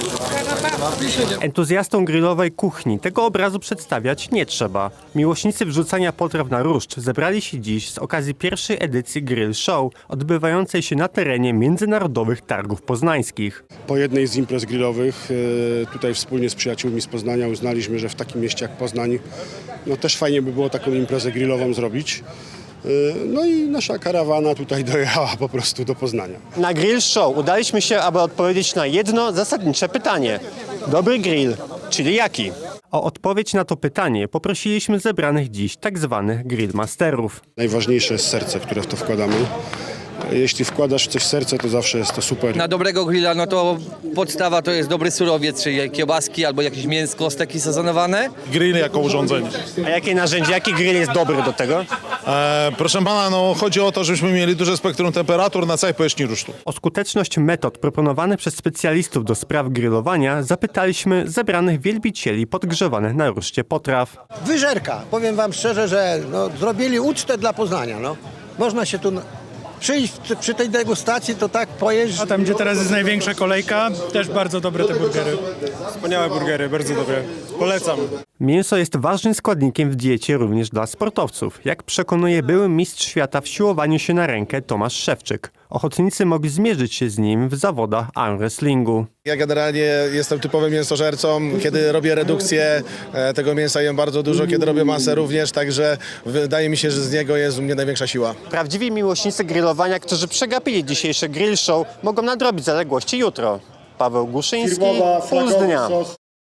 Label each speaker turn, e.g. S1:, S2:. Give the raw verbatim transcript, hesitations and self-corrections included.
S1: Entuzjastom grillowej kuchni tego obrazu przedstawiać nie trzeba. Miłośnicy wrzucania potraw na różdż zebrali się dziś z okazji pierwszej edycji Grill Show, odbywającej się na terenie Międzynarodowych Targów Poznańskich.
S2: Po jednej z imprez grillowych e, tutaj wspólnie z przyjaciółmi z Poznania uznaliśmy, że w takim mieście jak Poznań no też fajnie by było taką imprezę grillową zrobić. E, No i nasza karawana tutaj dojechała po prostu do Poznania.
S1: Na Grill Show udaliśmy się, aby odpowiedzieć na jedno zasadnicze pytanie. Dobry grill, czyli jaki? O odpowiedź na to pytanie poprosiliśmy zebranych dziś tak zwanych grillmasterów.
S2: Najważniejsze jest serce, które w to wkładamy. Jeśli wkładasz w coś serce, to zawsze jest to super.
S3: Na dobrego grilla, no to podstawa to jest dobry surowiec, czyli kiełbaski albo jakieś mięsko, steki sezonowane.
S4: Grill jako urządzenie.
S1: A jakie narzędzie, jaki grill jest dobry do tego?
S4: E, proszę pana, no chodzi o to, żebyśmy mieli duże spektrum temperatur na całej powierzchni rusztu.
S1: O skuteczność metod proponowanych przez specjalistów do spraw grillowania zapytaliśmy zebranych wielbicieli podgrzewanych na ruszcie potraw.
S5: Wyżerka. Powiem wam szczerze, że no, zrobili ucztę dla Poznania. No. Można się tu przyjść przy tej degustacji, to tak pojeść.
S6: A tam, gdzie teraz jest największa kolejka, też bardzo dobre te burgery.
S7: Wspaniałe burgery, bardzo dobre. Polecam.
S1: Mięso jest ważnym składnikiem w diecie również dla sportowców, jak przekonuje były mistrz świata w siłowaniu się na rękę Tomasz Szewczyk. Ochotnicy mogli zmierzyć się z nim w zawodach arm wrestlingu.
S8: Ja generalnie jestem typowym mięsożercą. Kiedy robię redukcję, e, tego mięsa jem bardzo dużo, kiedy robię masę również, także wydaje mi się, że z niego jest u mnie największa siła.
S1: Prawdziwi miłośnicy grillowania, którzy przegapili dzisiejszy grill show, mogą nadrobić zaległości jutro. Paweł Guszyński, Puls Dnia.